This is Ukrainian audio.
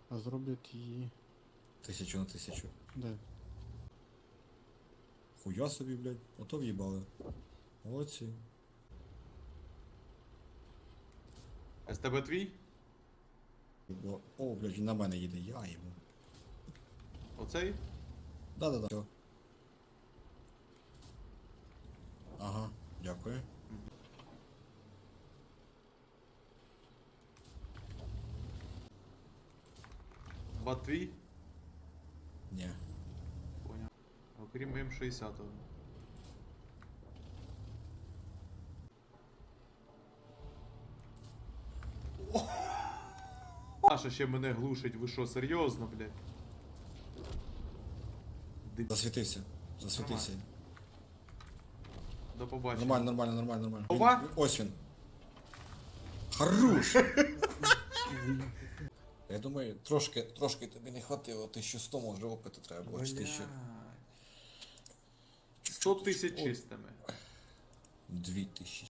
А зроблять її... 1000 на 1000. Де? Хуя собі, блядь. Ото в'їбали. Молодці. СТБ твій? О, блядь, він на мене їде, я йому. Оцей? Да-да-да. Все. Ага, дякую. Бат твій? Ні. Поняв. Окрім М60. Наша ще мене глушить, ви що, серйозно, блядь? Засвітився. Засвітився. До побачення. Нормально, нормально, нормально, нормально. Ова? Ось він. Хорош! Я думаю, трошки тобі не хватило, 1100 може опиту треба було, чи 1000. 100 тисяч чистими. 2000.